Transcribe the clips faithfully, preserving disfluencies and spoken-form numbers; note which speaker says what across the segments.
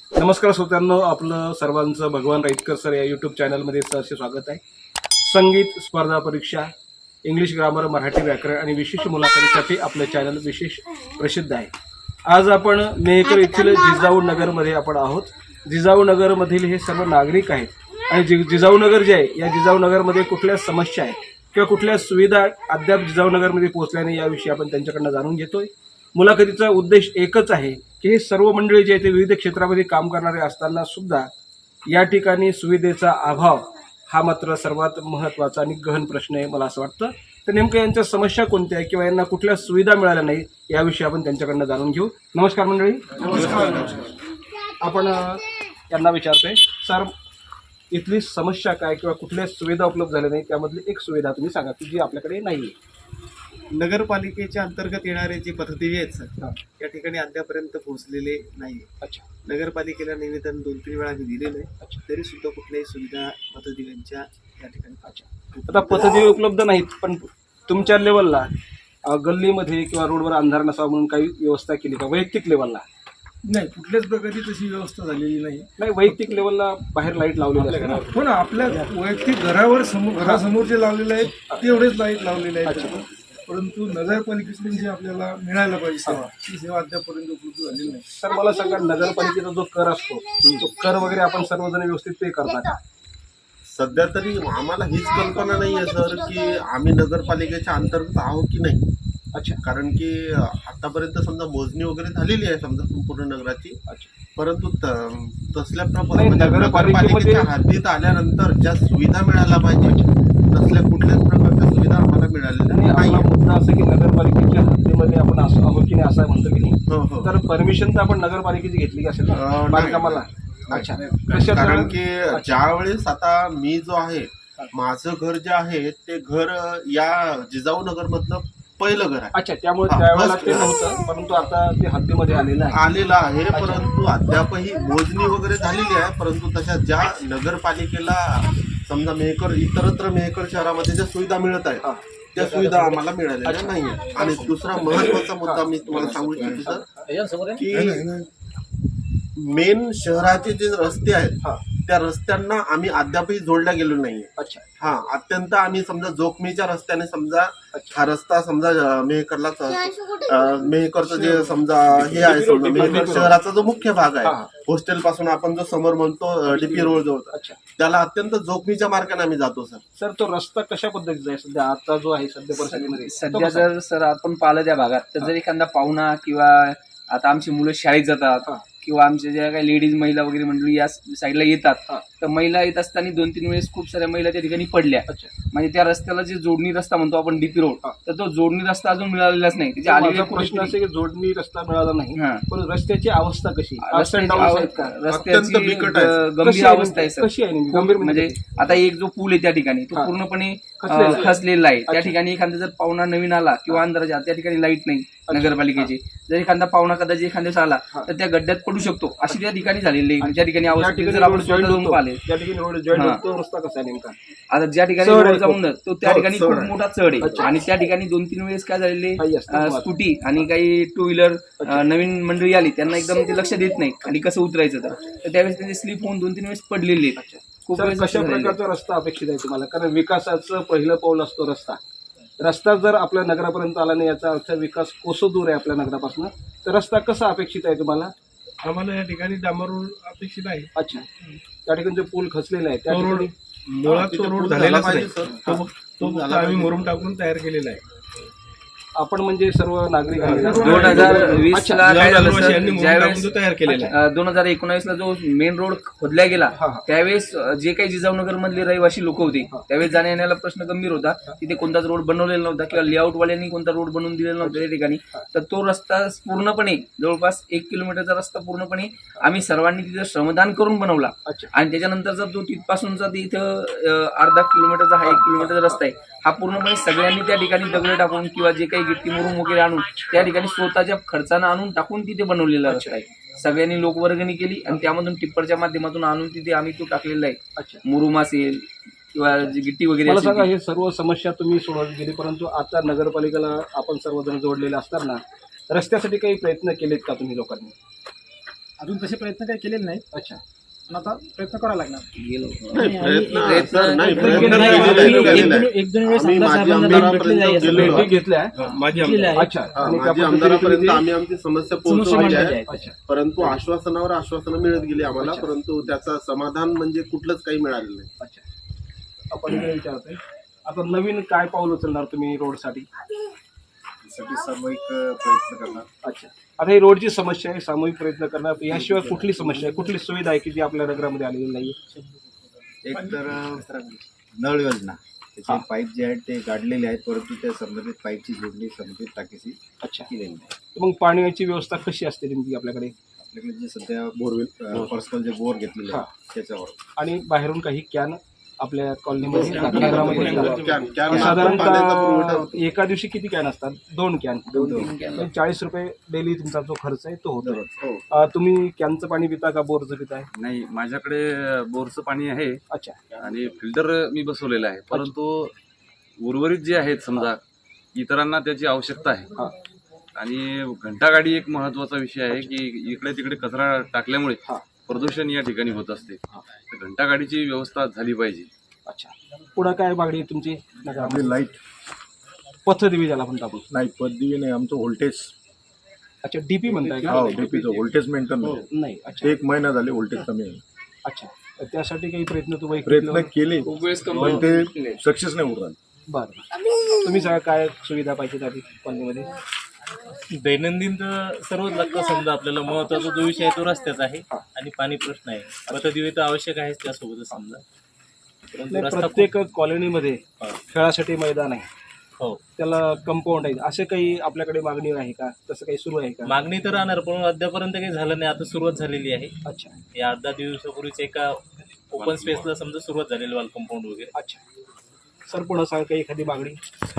Speaker 1: नमस्कार श्रोत्यांनो, आपलं सर्वांचं भगवान राईतकर सर या यूट्यूब चॅनलमध्ये सहर्ष स्वागत आहे. संगीत स्पर्धा परीक्षा, इंग्लिश ग्रामर, मराठी व्याकरण आणि विशेष मुलाखतीसाठी आपलं चॅनल विशेष प्रसिद्ध आहे. आज आपण मेहकर येथील जिजाऊ नगरमध्ये आपण आहोत. जिजाऊ नगरमधील हे सर्व नागरिक आहेत आणि जि जिजाऊ नगर जे आहे या जिजाऊ नगरमध्ये कुठल्या समस्या आहेत किंवा कुठल्या सुविधा अद्याप जिजाऊ नगरमध्ये पोहोचल्या नाही याविषयी आपण त्यांच्याकडनं जाणून घेतोय. मुलाखतीचा उद्देश एकच आहे की हे सर्व मंडळी जे आहे ते विविध क्षेत्रामध्ये काम करणारे असताना सुद्धा या ठिकाणी सुविधेचा अभाव हा मात्र सर्वात महत्त्वाचा आणि गहन प्रश्न आहे मला असं वाटतं. तर नेमकं यांच्या समस्या कोणत्या आहे किंवा यांना कुठल्या सुविधा मिळाल्या नाही याविषयी आपण त्यांच्याकडनं जाणून घेऊ. नमस्कार मंडळी. नमस्कार. आपण यांना विचारतोय, सर इथली समस्या काय किंवा कुठल्या सुविधा उपलब्ध झाल्या नाही त्यामधली एक सुविधा तुम्ही सांगा की जी आपल्याकडे नाही आहे.
Speaker 2: नगरपालिकेच्या अंतर्गत येणारे जे पथदिवे आहेत सर, या ठिकाणी अद्यापर्यंत पोहोचलेले नाही.
Speaker 1: अच्छा.
Speaker 2: नगरपालिकेला निवेदन दोन तीन वेळा आम्ही दिलेलं आहे. अच्छा. तरी सुद्धा कुठल्याही सुविधा पथदिव्यांच्या या ठिकाणी.
Speaker 1: अच्छा. आता पथदिवे उपलब्ध नाहीत, पण तुमच्या लेवलला गल्लीमध्ये किंवा रोडवर अंधार नसावा म्हणून काही व्यवस्था केली का वैयक्तिक लेवलला?
Speaker 3: नाही, कुठल्याच प्रकारची तशी व्यवस्था झालेली नाही.
Speaker 1: नाही, वैयक्तिक लेवलला बाहेर लाईट लावलेली असते ना?
Speaker 3: हो ना, आपल्या वैयक्तिक घरावर समोर घरासमोर जे लावलेले आहेत तेवढेच लाईट लावलेले आहेत. परंतु नगरपालिकेकडून जे आपल्याला मिळायला पाहिजे सेवा, ती सेवा अद्यापर्यंत उपलब्ध झालेली नाही.
Speaker 1: सर मला सांगा, नगरपालिकेचा जो कर असतो तो कर वगैरे आपण सर्वजण व्यवस्थित पे करता का?
Speaker 4: सध्या तरी आम्हाला हीच कल्पना नाही आहे सर की आम्ही नगरपालिकेच्या अंतर्गत आहोत की नाही.
Speaker 1: अच्छा.
Speaker 4: कारण की आतापर्यंत समजा मोजणी वगैरे झालेली आहे समजा संपूर्ण नगराची.
Speaker 1: अच्छा.
Speaker 4: परंतु त- तसल्या
Speaker 1: नाही,
Speaker 4: प्रमाणे
Speaker 1: नगरपालिकेमध्ये-
Speaker 4: नगरपालिकेच्या हद्दीत आल्यानंतर ज्या सुविधा मिळायला पाहिजे तसल्या कुठल्याच प्रकारच्या सुविधा आम्हाला मिळालेल्या
Speaker 1: आणि
Speaker 4: नाही.
Speaker 1: आपला मुद्दा असं की नगरपालिकेच्या हद्दीमध्ये आपण असं आहोत की नाही असं म्हणतो की नाही.
Speaker 4: हो हो.
Speaker 1: तर परमिशन तर आपण नगरपालिकेची घेतली की असेल
Speaker 4: अं,
Speaker 1: ना
Speaker 4: नाही.
Speaker 1: बांधकामाला? अच्छा. कशात?
Speaker 4: कारण की ज्या वेळेस आता मी जो आहे माझं घर जे आहे ते घर या जिजाऊ नगर मधलं पहिलं घर आहे.
Speaker 1: अच्छा, त्यामुळे
Speaker 4: हा,
Speaker 1: त्यावेळेला
Speaker 4: बस.
Speaker 1: ते नव्हतं, परंतु आता ते हद्दीमध्ये आलेलं आहे.
Speaker 4: आलेलं आहे. परंतु अद्यापही मोजणी वगैरे झालेली आहे. परंतु तशा ज्या नगरपालिकेला समजा मेहकर इतरत्र मेहकर शहरामध्ये ज्या सुविधा मिळत आहेत त्या सुविधा आम्हाला मिळालेल्या नाही. आणि दुसरा महत्वाचा मुद्दा मी तुम्हाला सांगू इच्छितो सर की मेन शहराचे जे रस्ते आहेत त्या रस्त्यांना आम्ही अद्यापही जोडल्या गेलो नाहीये.
Speaker 1: अच्छा.
Speaker 4: हा, अत्यंत आम्ही समजा जोखमीच्या रस्त्याने समजा हा रस्ता समजा मेहकरला मेहकरचं जे समजा हे आहे समजा मेहकर शहराचा जो मुख्य भाग आहे हॉस्टेल पासून आपण जो समोर म्हणतो डीपी रोड जवळ,
Speaker 1: अच्छा,
Speaker 4: त्याला अत्यंत जोखमीच्या मार्गाने आम्ही जातो सर.
Speaker 1: सर तो रस्ता कशा पद्धतीचा आहे सध्या आता जो आहे सध्या परिस्थितीमध्ये?
Speaker 5: सध्या जर सर आपण पाहिलं त्या भागात तर जर एखादा पाहुणा किंवा आता आमची मुलं शाळेत जातात किंवा आमच्या ज्या काही लेडीज महिला वगैरे मंडळी या साईडला येतात तर महिला येत असताना दोन तीन वेळेस खूप साऱ्या महिला त्या ठिकाणी पडल्या. म्हणजे त्या रस्त्याला जे जोडणी रस्ता म्हणतो आपण डीपी रोड, तर तो जोडणी रस्ता अजून मिळालेलाच नाही. त्याची आलेला
Speaker 1: प्रश्न असे की जोडणी रस्ता मिळाला नाही,
Speaker 5: हा.
Speaker 1: पण रस्त्याची अवस्था कशी?
Speaker 5: रस्त्याची
Speaker 4: अत्यंत
Speaker 5: रस्त्याची
Speaker 4: बिकट आहे.
Speaker 5: गंभीर
Speaker 1: कशी आहे
Speaker 5: अवस्था आहे
Speaker 1: नेमकी?
Speaker 5: सर.
Speaker 1: कशी आहे नेमकी?
Speaker 5: खूप
Speaker 1: गंभीर
Speaker 5: म्हणजे आता एक जो पूल आहे त्या ठिकाणी तो
Speaker 1: हा.
Speaker 5: पूर्णपणे
Speaker 1: खचलेला
Speaker 5: अं,
Speaker 1: आहे.
Speaker 5: खचलेला आहे. त्या
Speaker 1: अच्छा.
Speaker 5: ठिकाणी एखादा जर पाहुणा नवीन आला किंवा अंधाराच्या त्या ठिकाणी लाईट नाही नगरपालिकेची, जर एखादा पाहुणा कदाचित एखाद्या दिवस आला तर त्या गड्ड्यात पडू शकतो अशी त्या ठिकाणी झालेली आहे. त्या ठिकाणी
Speaker 1: ज्या
Speaker 5: अवस्था
Speaker 1: ठिकाणी
Speaker 5: जर आपण
Speaker 1: रोड जॉईंट
Speaker 5: स्वतः जाऊन
Speaker 1: होतो,
Speaker 5: पाहिले
Speaker 1: ज्या ठिकाणी रोड जॉईंट
Speaker 5: हा.
Speaker 1: होतो तो रस्ता कसा आहे नेमका?
Speaker 5: आता ज्या ठिकाणी
Speaker 1: चढ आहे
Speaker 5: रोड जाऊन तो त्या
Speaker 4: चढ-
Speaker 5: ठिकाणी
Speaker 4: चढ
Speaker 5: खूप
Speaker 4: आहे.
Speaker 5: मोठा चढ आहे.
Speaker 1: अच्छा.
Speaker 5: आणि त्या ठिकाणी दोन तीन वेळेस काय झालेले
Speaker 1: काही असतं मग.
Speaker 5: स्कूटी आणि काही टू व्हीलर नवीन मंडळी आली त्यांना एकदम ते लक्ष देत नाही खाली कसं उतरायचं तर तर त्यावेळेस त्यांचे स्लिप होऊन दोन तीन वेळेस पडलेले आहेत. खूप
Speaker 1: सर,
Speaker 5: वेळेस
Speaker 1: कशा
Speaker 5: असं झालेलं आहे.
Speaker 1: प्रकारचा रस्ता अपेक्षित आहे तुम्हाला? कारण विकासाचं पहिलं पाऊल असतो रस्ता. रस्ता जर आपल्या नगरापर्यंत आला नाही याचा अर्थ विकास कोसो दूर आहे आपल्या नगरापासून. तर रस्ता कसा अपेक्षित आहे तुम्हाला?
Speaker 3: आम्हाला या ठिकाणी डांबर रोड अपेक्षित आहे.
Speaker 1: अच्छा. त्या ठिकाणी जो पूल खचलेला आहे त्या
Speaker 3: तो रोड
Speaker 1: ठिकाणी
Speaker 3: मुळात तो
Speaker 4: तिथे
Speaker 3: रोड
Speaker 4: पूल
Speaker 3: झालेलाच
Speaker 4: झाला
Speaker 3: नाही.
Speaker 4: पाहिजे, सर.
Speaker 3: तो तो फक्त आम्ही मुरुम टाकून तयार केलेला आहे.
Speaker 1: आपण म्हणजे सर्व नागरिक आहेत.
Speaker 5: दोन हजार वीस
Speaker 1: अच्छा.
Speaker 5: ला काय झालं सर,
Speaker 3: यांनी मुरुम
Speaker 5: ज्यावेळेस
Speaker 3: टाकून तो तयार केलेला आहे.
Speaker 5: दोन हजार एकोणावीस ला जो मेन रोड खोदला गेला
Speaker 1: हा, हा.
Speaker 5: त्यावेळेस जे काही जिजाऊनगर मधले रहिवासी लोक होते त्यावेळेस जाण्या येण्याला प्रश्न गंभीर होता. तिथे कोणताच रोड बनवलेला नव्हता किंवा लेआउट वाल्यांनी कोणता रोड बनवून दिलेला नव्हता त्या ठिकाणी. तर तो रस्ता पूर्णपणे जवळपास एक किलोमीटरचा रस्ता पूर्णपणे आम्ही सर्वांनी तिथे श्रमदान करून बनवला.
Speaker 1: अच्छा.
Speaker 5: आणि त्याच्यानंतरचा जो तिथपासूनचा इथं अं, अर्धा किलोमीटरचा हा एक किलोमीटरचा रस्ता आहे हा पूर्णपणे सगळ्यांनी त्या ठिकाणी दगड टाकून किंवा जे काही गिट्टी मुरुम वगैरे आणून त्या ठिकाणी स्वतःच्या खर्चानं आणून टाकून तिथे बनवलेला रस्ता आहे. सगळ्यांनी लोकवर्गणी केली आणि त्यामधून टिप्परच्या माध्यमातून आणून तिथे आम्ही तो टाकलेला आहे.
Speaker 1: अच्छा.
Speaker 5: मुरुम असेल किंवा जी गिट्टी वगैरे
Speaker 1: मला
Speaker 5: असेल
Speaker 1: सांगा,
Speaker 5: ती.
Speaker 1: हे सर्व समस्या तुम्ही सोडवली गेली, परंतु आता नगरपालिकेला आपण सर्वजण जोडलेले असताना रस्त्यासाठी काही प्रयत्न केलेत का तुम्ही लोकांनी?
Speaker 6: अजून तसे प्रयत्न काही केलेले नाही,
Speaker 1: अच्छा
Speaker 6: पण आता प्रयत्न करावा लागणार.
Speaker 4: नाही, प्रयत्न सर, नाही,
Speaker 5: एक-
Speaker 4: प्रयत्न
Speaker 6: नाही,
Speaker 4: केलेले
Speaker 6: एक-
Speaker 4: आहेत,
Speaker 6: एक-
Speaker 4: केलेले आहेत.
Speaker 6: एक दोन वेळेस
Speaker 4: आम्ही
Speaker 6: आमदार
Speaker 4: माजी
Speaker 6: साहेबांना भेट भेटली
Speaker 4: आमदारापर्यंत
Speaker 6: आहे,
Speaker 4: गेलेलो
Speaker 1: भेटी
Speaker 4: आहे.
Speaker 1: घेतल्या
Speaker 6: भेटलेलं आहे.
Speaker 1: अच्छा
Speaker 4: हा,
Speaker 1: आणि त्या
Speaker 4: माजी
Speaker 1: पद्धतीने
Speaker 4: आमदारापर्यंत
Speaker 1: तुम्ही
Speaker 4: आम्ही आमची समस्या
Speaker 6: समस्या
Speaker 4: पोहोचवली
Speaker 6: मांडलेली
Speaker 4: आहे,
Speaker 6: आहे.
Speaker 1: अच्छा
Speaker 4: परंतु आश्वासनावर आश्वासनं मिळत गेली आम्हाला,
Speaker 1: अच्छा.
Speaker 4: परंतु त्याचं समाधान म्हणजे कुठलंच काही मिळालेलं नाही.
Speaker 1: अच्छा आपण इकडे विचारतोय आता नवीन काय पाऊल उचलणार तुम्ही रोडसाठी?
Speaker 3: सामूहिक प्रयत्न करणार.
Speaker 1: अच्छा आता ही रोडची समस्या आहे, सामूहिक प्रयत्न करणार. याशिवाय कुठली समस्या आहे, कुठली सुविधा आहे की जी आपल्या नगरामध्ये आलेली नाही?
Speaker 7: एक तर नळ योजना त्याचे पाईप जे आहेत ते गाडलेले आहेत, परंतु त्या संबंधित पाईपची जोडणी संबंधित टाकीशी
Speaker 1: अच्छा
Speaker 7: केलेली नाही.
Speaker 1: मग पाण्याची व्यवस्था कशी असते नेमकी आपल्याकडे?
Speaker 7: आपल्याकडे जे सध्या बोरवेल पर्सनल जे बोर घेतलेले
Speaker 1: हा.
Speaker 7: आहेत त्याच्यावर
Speaker 1: आणि बाहेरून काही कॅन आपल्या कॉलनीमध्ये नगरामध्ये
Speaker 4: कॅन- कॅन
Speaker 1: साधारणतः
Speaker 4: पाण्याचा पुरवठा होतो.
Speaker 1: एका दिवशी किती कॅन असतात? दोन कॅन.
Speaker 5: दोन कॅन.
Speaker 1: म्हणजे चाळीस रुपये डेली तुमचा जो खर्च आहे तो होतो.
Speaker 4: हो.
Speaker 1: अं, तुम्ही कॅनचं पाणी पिता का बोरचं पिताय?
Speaker 8: नाही, माझ्याकडे बोरचं पाणी आहे
Speaker 1: अच्छा
Speaker 8: आणि फिल्टर मी बसवलेलं आहे, परंतु उर्वरित जे आहेत समजा इतरांना त्याची आवश्यकता आहे.
Speaker 1: हा.
Speaker 8: आणि घंटागाडी एक महत्वाचा विषय आहे की इकडे तिकडे कचरा टाकल्यामुळे
Speaker 1: हा.
Speaker 8: प्रदूषण या ठिकाणी होत असते. तर घंटागाडीची व्यवस्था झाली पाहिजे.
Speaker 1: अच्छा पुढं काय मागणी आहे तुमची?
Speaker 3: आपली लाईट
Speaker 1: पथदिवी ज्याला म्हणतो आपण.
Speaker 3: नाही, पदवी नाही, आमचं व्होल्टेज
Speaker 1: अच्छा डीपी म्हणताय का?
Speaker 3: हो डीपीचं व्होल्टेज मेंटेन नाही.
Speaker 1: नाही अच्छा
Speaker 3: एक महिना झाले व्होल्टेज कमी आहे.
Speaker 1: अच्छा तर त्यासाठी काही प्रयत्न तुम्ही
Speaker 3: प्रयत्न केले
Speaker 5: खूप वेळेस
Speaker 3: पण
Speaker 5: कंपनी
Speaker 3: ते सक्सेस नाही होत राहिले.
Speaker 1: बरं तुम्ही सगळं काय सुविधा पाहिजे त्या कॉलनीमध्ये?
Speaker 9: दैनंदिन तर सर्वच लागतं. समजा आपल्याला महत्वाचा जो विषय आहे तो रस्त्याचा आहे
Speaker 1: हा.
Speaker 9: आणि पाणी प्रश्न आहे. पथदिवे तर आवश्यक आहेच त्यासोबतच समजा. परंतु
Speaker 1: नाही,
Speaker 9: रस्ता
Speaker 1: प्रत्येक कॉलनीमध्ये खेळासाठी मैदान आहे,
Speaker 9: हो
Speaker 1: त्याला कंपाऊंड आहे, असे काही आपल्याकडे मागणी आहे का? तसं काही सुरू आहे का?
Speaker 9: मागणी तर राहणार, पण अद्यापर्यंत काही झालं नाही. आता सुरुवात झालेली आहे.
Speaker 1: अच्छा
Speaker 9: या आठ दहा दिवसापूर्वीच एका ओपन स्पेसला समजा सुरुवात झालेली वाल कंपाऊंड वगैरे.
Speaker 1: अच्छा सर पुन्हा सांगा काही एखादी मागणी?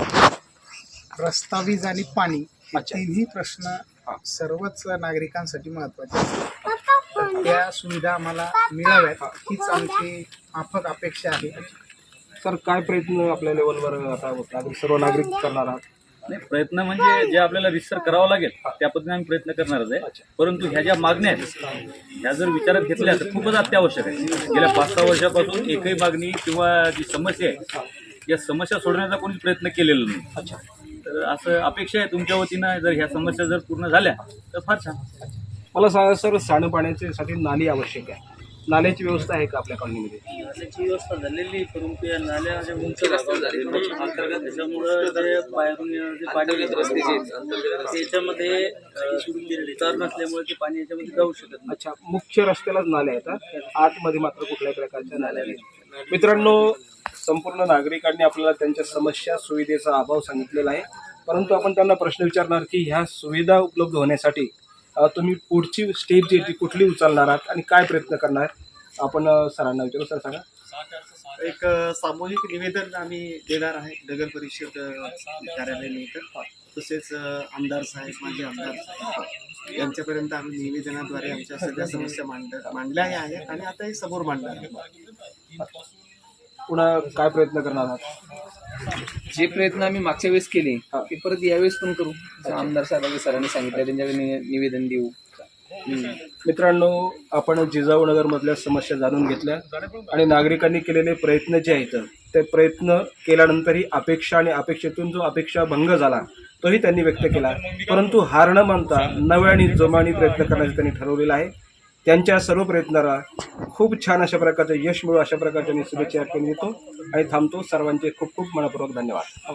Speaker 6: रस्ता, वीज आणि पाणी हे
Speaker 1: अच्छा.
Speaker 6: तिन्ही प्रश्न सर्वच नागरिकांसाठी महत्वाचे असतात. तर त्या सुविधा आम्हाला मिळाव्यात हीच आमची माफक अपेक्षा आहे.
Speaker 1: सर काय प्रयत्न आपल्या लेवलवर आता नागरिक सर्व नागरिक करणार आहात?
Speaker 9: नाही, प्रयत्न म्हणजे जे आपल्याला रिसर्च करावं लागेल त्या पद्धतीने आम्ही प्रयत्न करणारच आहे. परंतु ह्या ज्या मागण्या आहेत ह्या जर विचारात घेतल्या तर खूपच अत्यावश्यक आहे. गेल्या पाच सहा वर्षापासून एकही मागणी किंवा जी समस्या आहे या समस्या सोडवण्याचा कोणीच प्रयत्न केलेला नाही.
Speaker 1: अच्छा
Speaker 9: तर असं अपेक्षा आहे तुमच्या वतीनं जर ह्या समस्या जर पूर्ण झाल्या तर फार छान.
Speaker 1: मला सांगा सर सांडपाण्यासाठी नाली आवश्यक आहे, नाल्याची व्यवस्था आहे का आपल्या कॉलनीमध्ये?
Speaker 9: त्याची व्यवस्था झालेली, परंतु या नाल्या ज्या उंच भागावर झालेल्या अंतर्गत त्याच्यामुळं जे बाहेरून येणारं जे पाणी रस्ते जे आहेत, त्याच्यामध्ये उतार नसल्यामुळे ते पाणी याच्यामध्ये जाऊ शकत नाही.
Speaker 1: अच्छा मुख्य रस्त्यालाच नाल्या आहेत, आतमध्ये मात्र कुठल्याही प्रकारच्या नाल्या नाही. मित्रांनो संपूर्ण नागरिकांनी आपल्याला त्यांच्या समस्या सुविधेचा अभाव सांगितलेला आहे, परंतु आपण त्यांना प्रश्न विचारणार की ह्या सुविधा उपलब्ध होण्यासाठी अ, तुम्ही पुढची स्टेप जी आहे ती कुठली उचलणार आहात आणि काय प्रयत्न करणार? आपण अ, सरांना विचारू. सर सांगा.
Speaker 2: एक अ, सामूहिक निवेदन आम्ही देणार आहे नगर परिषद अ, कार्यालयानंतर. तसेच अ, आमदार साहेब, माजी आमदार साहेब यांच्यापर्यंत आम्ही निवेदनाद्वारे आमच्या सगळ्या समस्या मांड मांडल्या आहेत आणि आता हे समोर मांडणार आहे.
Speaker 1: पुन्हा काय प्रयत्न करणार आहात?
Speaker 5: जे प्रयत्न आम्ही मागच्या वेळेस केले ते परत यावेळेस पण करू. जसं आमदार साहेबांनी सरांनी सांगितलं त्यांच्याकडे नि- निवेदन देऊ.
Speaker 1: मित्रांनो आपण जिजाऊनगरमधल्या समस्या जाणून घेतल्या आणि नागरिकांनी केलेले प्रयत्न जे आहेत ते प्रयत्न केल्यानंतरही अपेक्षा आणि अपेक्षेतून जो अपेक्षा भंग झाला तोही त्यांनी व्यक्त केला, परंतु हार न मानता नव्याने जोमाने प्रयत्न करण्याचं त्यांनी ठरवलेलं आहे. त्यांच्या सर्व प्रयत्नाला खूप छान अशा प्रकारचं यश मिळू अशा प्रकारच्या मी शुभेच्छा देतो आणि थांबतो. सर्वांचे खूप खूप मनपूर्वक धन्यवाद.